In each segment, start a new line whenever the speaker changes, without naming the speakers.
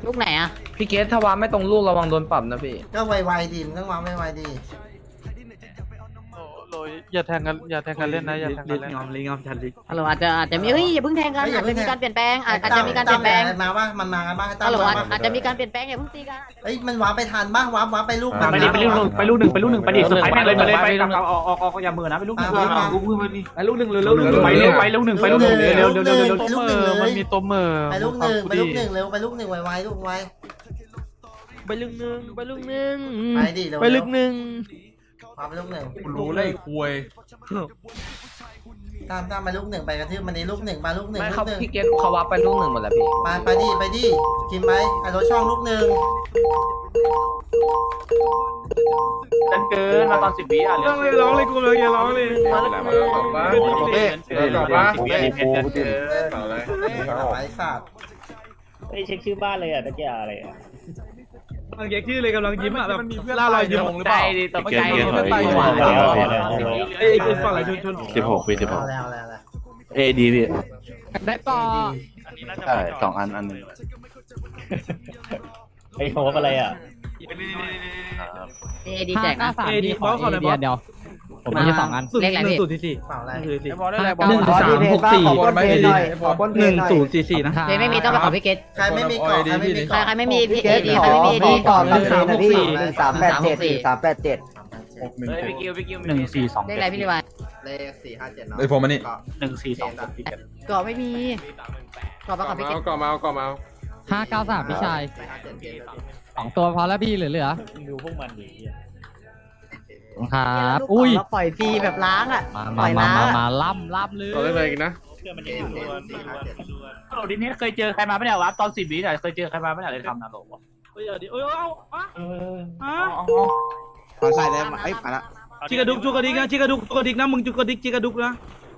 ลูกไหนอะ
พี่เกสถ้าวางไม่ตรงลูกระวังโดนปรับนะพี่
ก็ไวๆดีมันต้องวางไวๆดี
โรยอย่าแทงกันเล่นนะอย่าแทงกันเล่น
ฮัลโหลอาจจะมีเฮ้ยอย่าเพิ่งแทงกันอาจจะมีการเปลี่ยนแปลงอาจจะมีการเปลี่ยนแปลง
มาว่ามันมากันบ้างให้ตั้
ฮัลโหล
มา
อาจจะมีการเปลี่ยนแปลงอย่าเพิ่งตีกัน
เฮ้ยมันวางไปทันบ้างวางไปลูก
ไปลูกหนึ่งไปลูกหนึ่งไปดิสุดท้ายเลยไปออกอย่ามือนะไปลูกหนึ่งไปลูกหนึ่งเร็วไปลูกหนึ่งเร็ว
มันมีตัวเมอร์
ไปลูกหนึ่งเร็วไปลูกหนึ่งไวๆลูกไว
ไปลึกนึงไปลึกนึง
ไปดิเร็ว
ไปลึกนึง
วางไปลูกหนึ่ง
รู้เลยคุย
ตามไปลูกหนึ่งไปกระทืบมันนี้ลูกหนึ่งมาลูกหนึ่ง
ไม่
ลู
เขา
กหนึ่ง
พี่เกสเขาวับไปลูกหนึ่งหมดแล้วพี่
ไปดิกินไปไอ้รถช่องลูกหนึ่ง
ดันเกินมาตอน10 วิอ่ะ
ร้องเลยกูเลยอย่าร้องเลย
ไปสัตว์
ไอเช็คชื่อบ้านเลยอ่ะตะเกียอะไรอ่ะ
กำลังแยกชื่อเลยกำลังยิ้มอ่ะแบบล่ารอยยิ้ม
หรือเปล่า
ตกใจ
เอ้ยเป็นฝั่งไหนชน
16ปี16
แล้ว
เอดีพี่
ได้ต่อ
ใช่2 อันนึง
ไอโฮปอะไรอ่ะ
เอดีแจกนะ
เอดีบอสขอหน่อยบอส
เดี๋ยวผมมี2 อันเลขอะไรพี่
1.44
เปล่าอะไร
1.364 นะ
เลขไม่มีต้องไปขอพี่เกต
ใครไม่มีเกาะใครไม่มี
ใคร
เกาะ
ไม่มีพี่เอดีใครไม่มีเอดี
ก่อน1387
เฮ้ยพี่กิว
เลขอะไรพี่ลิวาย
เลข457เนาะ
ไอผมอันนี้
เกาะไม่มีเกาะไปขอพี่เกต
593พี่ชาย2 ตัวพอแล้วพี่เหลือ
ดูพวกมันดี
ครับ
อุ้ยปล่อยฟรีแบบล้างอ่ะปล่อยล้าง
มาล่ำเลย
ต่อได้เลยนะ
เพื่อนมันยังอยู่โหลดิเนสเคยเจอใครมาไม่ได้วะตอน10 วิอ่ะเคยเจอใครมาไม่ได้เลยทำนะโหลวะ
เฮ้ยเดี๋ยวเอา
ขอใส่ได้ไหมมาละ
จิกระดุกจุกระดิกนะจิกระดุกจุกระดิกนะมึงจุกระดิกจิกระดุกนะ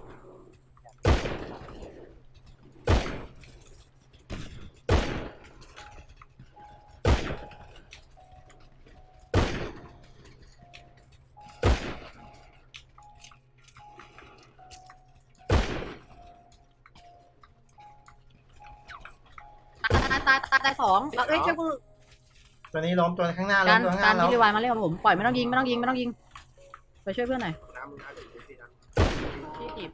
ตาย2เอ้ยช่วยกู
ตัวนี้ล้มตัวข้างหน้าล้
กาม ร
ตัวข้างห
กา
น้าร ล้ม
พี่ลิวายมาเล่นกับผมปล่อยไม่ต้องยิงไปช่วยเพื่อนหน่อยพี่จีบ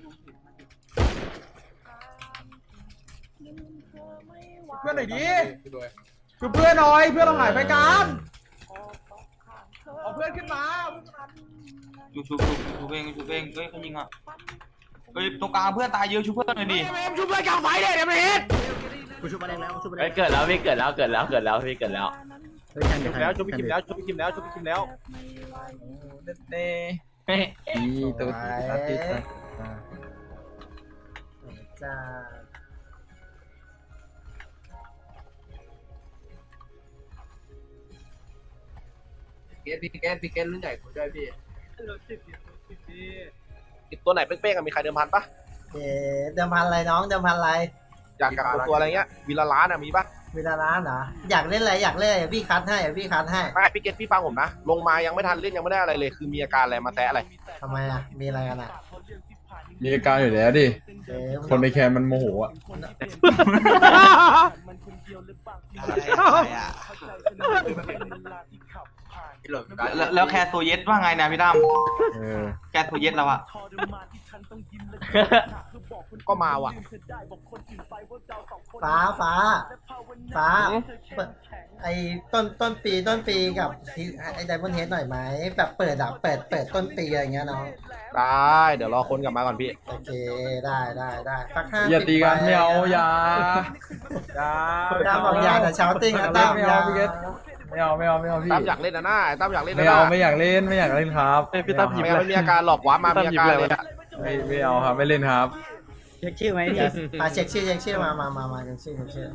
เพื่อนหน่อยดิคือเพื่อนหน่อยเพื่อนเราหายไปกันเอาเพื่อนขึ้นมา
ชูเองเฮ้ยเขายิงอ่ะเฮ้ยตรงกลางเพื่อนตายเยอะชูเพื่อนหน่อยดิ
ชุบเลยกลางไฟเลยเดี๋ยวมันเห็น
กูชุบมาแรงแล้วชุบมาแร
เฮ้ย
ง
เกิดแล้วพี่เกิดแล้วพี่เกิดแล้ว
แล้วชุบพี่คิมแล้วชุบพี่คิมแล้วเฮ้ย
ตัวติดจ้า
พี่เกสรุ่นใหญ่คุยด้วยพี่
ตัวไหนเป้งๆมีใครเดิมพันปะ
เดิมพันอะไรน้องเดิมพันอะไร
อยากกับตัวอะไรเงี้ยวีละล้านมีปะ
เวลาร้านเหรออยากเล่นอะไรอยากเล่นอะไรพี่คัดให้พี่คัดให้
ไม่พี่เกตพี่ฟังผมนะลงมายังไม่ทันเล่นยังไม่ได้อะไรเลยคือมีอาการอะไรมาแตะอะไร
ทำไมอ่ะมีอะไรกันอ่ะ
มีอาการอยู่แล้วดิ คนในแคมมันโมโหอ่ะ
แล้วแคร์โซเยสว่าไงนะพี่ตั้มแคร์โซเยสเราอะ
ก็มาว่ะ
ฟ้าไอ้ต้นปีกับไอ้ไดมอนด์เฮดหน่อยไหมแบบเปิดต้นปีอะไรเงี้ยน้อง
ได้เดี๋ยวรอคนกลับมาก่อนพี่
โอเคได้สัก50
อย่าตีกันไม่เอาอย่า
ตามบอกอย่าแต่เช้าติ้งนะตาม
ไม่
อย่า
เอาพี่เกตไม่เอาพี่
ตั้มอยากเล่นนะน้าตั้มอยากเล่น
ไม่
นะ
เอาไม่อยากเล่นครับ
พี่ตั้มหยิบไม่มีอาการหลอกวะมามีอาการเลยอะ
ไม่เอาครับไม่เล่นครับ
เช็คชื่อไหม
เช็คชื่อมาเช็คชื่อ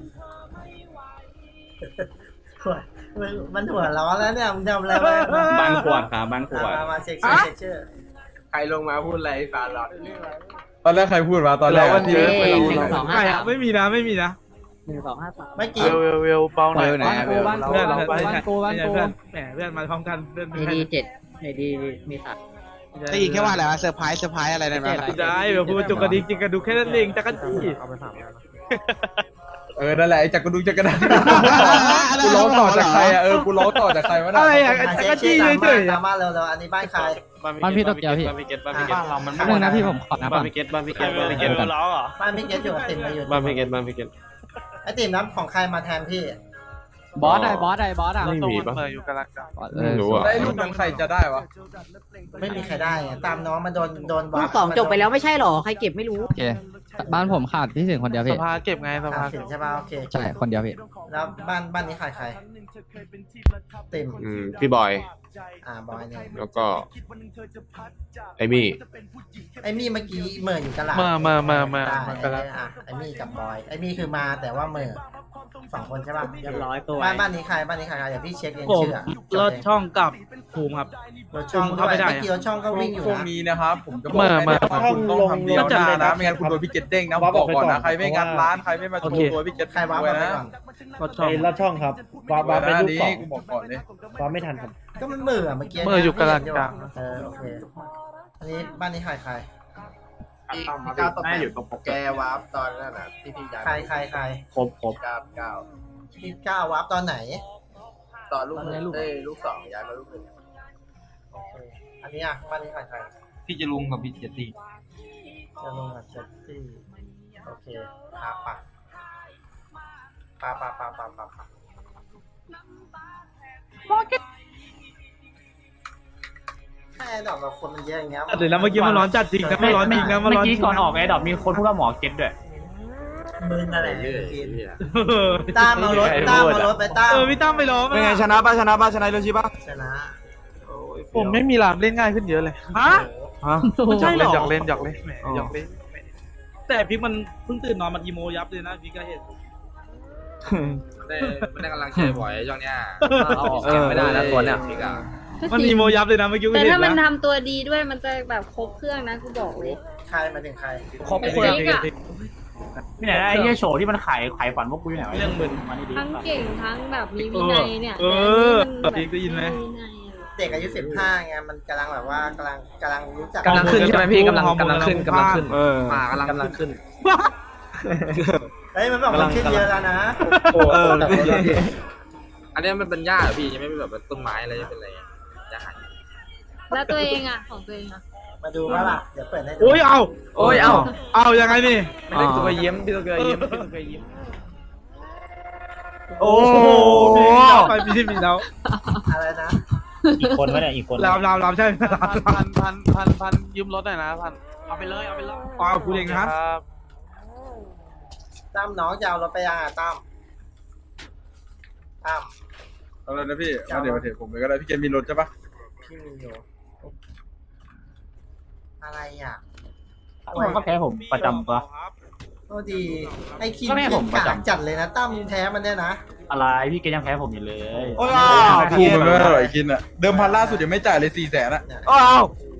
มันหัวร้อนแล้วเนี่ยมึงทำอะไร
บ้านขวดครับบ้านขวด
มาเช็คชื่อ
ใครลงมาพูดอะไรฟาหลอด
ตอนแรกใครพูดมาตอนแรก
1 2 5 3
ไม่มีนะ
1 2 5 3
ไม่กี่
เวลเบาหน่อย
บ้านกู
เพื่อนแหมเพื่อนมาพร้อมกันเพื่อน
เอดี7เอดีมีสัตว์
ได้ยินแค่ว่าอะไรวะเซอร์ไพรส์อะไรนั่นวะ
ได้แบบพูดจุกกระดิกจิกกระดุกแค่นั้นเองจักรจี้
นั่นแหละไอ้จักรดุงจักรดังกูร้องต่อจากใครอ่ะกูร้องต่อจากใครวะน่ะ
อะไรอ่ะ
อ่ะ
ก็
เช็
จี้
ค
เฉย
ตามมาเร็วๆอันนี้บ้านใคร
บ้านพี่โตเกียวพี่
บ้านเรามัน
นึงนะพี่ผมขอนะ
บ้า
บ้าน น
พี่เกตบ้านพี่เกตบ้านพี่เกตร้องเหรอ
บ้านพี่เกศอยู่กับติ่มมาอยู่
บ้านพี่เกตบ้านพี่เกต
ไอ้ติ่มน้ำของใครมาแทนพี่
บอสได้บอสอ่ะ
ไม่มีปะ ไม่รู้อะ
ได้ลูกนั้นใครจะได้วะ
ไม่มีใครได้ไงตามน้องมาโดน
ลู
วาร์
กสองจบไปแล้วไม่ใช่หรอใครเก็บไม่รู้
โอเคบ้านผมขาดพี่สิงคนเดียวพี่
อ่ะสินใช่ป่ะโอเค
ใช่คนเดียวพี่
แล้วบ้านนี้ใครติ่ม
พี่บอย
บอยเนี่ย
แล้วก็ไอมี่
ไอ้มี่เมื่อกี้เหม่ออยู่ตลาด
มา
ได้ไอ้มี่กับบอยไอ้มี่คือมาแต่ว่าเหม่อ2 คนใช่ป่ะ
เรียบร้อยตัว
บ้านนี้ใครเดี๋ยวพี่เช็คเอง
ผม
ชื่ออะ
รถช่องกับภูมิครับ
รถช่อง
เข้า
ด้วย
ไม่ได้
เมื่อกี้รถช่องก็วิ่งอยู่
ช่วง
นะ
นี้นะครับผมจะบอกให้นะครับคุณต้องทำเดียวหน้านะไม่งั้นคุณโดนพี่เกตเด้งนะผมบอกก่อนนะใครไม่งัดร้านใครไม่มาโชว์ตัวพี่เกต
ใครวาร์ป
ไว้
มาไป
นะ
ก่อน
รถช่อง
ลอดช่องครับวาร์ป
ไว้
เป็น
นะ
ลูก
นี้
สอง
กูบอกก่อนเลย
วาร์ปไม่ทันครับ
ก็มันเหม่อเมื่อกี้
เหม่ออยู่กลาง
โอเคอันนี้บ้านนี้ใคร
พี่ก้าวตบแกวาร์ปตอนนั้นน่ะที่พี่ย้าย
ใคร
ครบ
ก้าว
พี่ก้าววาร์ปตอนไหน
ตอนลูกลูก2ย้ายมาลูก1
โอเคอันนี้อ่ะบ้านนี้ใคร
พี่จะลุงกับพี่เจตี้
จะลงกับเซตตี้โอเคปะแค่ดอกเราคนมันเยอะอย่างเงี้ย
เดี๋ยวนะเมื่อกี้มันร้อนจัดจริงนะมันร้อนจริงนะมัน
เมื่
ร้
อ
อนจ
กี้
ริง
ก่อนออกไอ้ดอกมีคนพูดว่าหมอเก็ตด้วย
มึงอะไร
เรื่อย
ตามเอารถไปตาม
พี่ตั้มไปล้อม
เป็นไงชนะป่ะชนะเรื่องชิป่ะ
ชนะ
ผมไม่มีรามเล่นง่ายขึ้นเยอะเลยฮะไม่ใช่หรออยากเล่นแต่พิกมันเพิ่งตื่นนอนมันอีโมยับเลยนะพิกก็เห็น
ไม่ได้กำลังใจบ่อยช่วงเนี้ย
เอาออกเก็บไม่ได้แล้วตัวเนี้ย
พี่กะ
มันอีโมยับเลยนะเมื่อกี้
แต่
เห็น
ถ้ามัน
นะ
ทำตัวดีด้วยมันจะแบบครบเครื่องนะกูบอกเลย
ใครมาถึงใคร
ครบ
ไอ้
เครื่อง
พิกอะ
นี่ไหนไอ้เหี้ยโฉที่มันขายฝันพวกกูอยู่ไหนวะ
เรื่องมึน
มานี่ดิ
ทั้งเก่งทั้งแบบมีวินัยเนี่ย
พิกได้ยินไหม
เด็กอายุ15ไงมันกำลังแบบว่ากำลังรู้จัก
กำลังขึ้นใช่ไหมพี่กำลังขึ้น
มากำลังขึ้น
เฮ้ยมันบอกมันขึ้นเยอะแล้วนะ
อันนี้มันเป็นหญ้าเหรอพี่ยังไม่เป็นแบบต้นไม้อะไรเป็นอะไรหญ้า
แล้วตัวเองอะของตัวเองอะ
มาดูว่าล่ะเดี๋ยวเปิดให้ดู
โอ้ยเอายังไงนี่
ไม่ได้ตัวเยี่ยมพี่ตัวเยี่ยมพี่ตัวเยี่ยม
โอ้ไปพี่มีแล้ว
อะไรนะ
อีกคนวะเนี่ยอีกคน
รามใช่
พันยืมรถหน่อยนะพัน
เอาไปเลยเอาไปเลย
กูเองนะ
ตั้มน้องจะเอารถไปยังอ่ะตั้ม
เอาเลยนะพี่เดี๋ยวมาเถียงผมเลยก็ได้พี่เกมมีรถใช่ปะ
พี่มีอยู่อะไรอ่ะ
มันก็แพ้ผมประจำปะ
โอ้ดีไอ้คิม
ก็แม่ผมประจำ
จัดเลยนะตั้มแท้มันเนี่ยนะ
อะไรพี่เกยังแพ้ผมอยู่เลย
พูดมันไม่อร่อยกินอ่ะเดิมพันล่าสุดยังไม่จ่ายเลย400,000อ่ะ
เนี่ย
อ้าว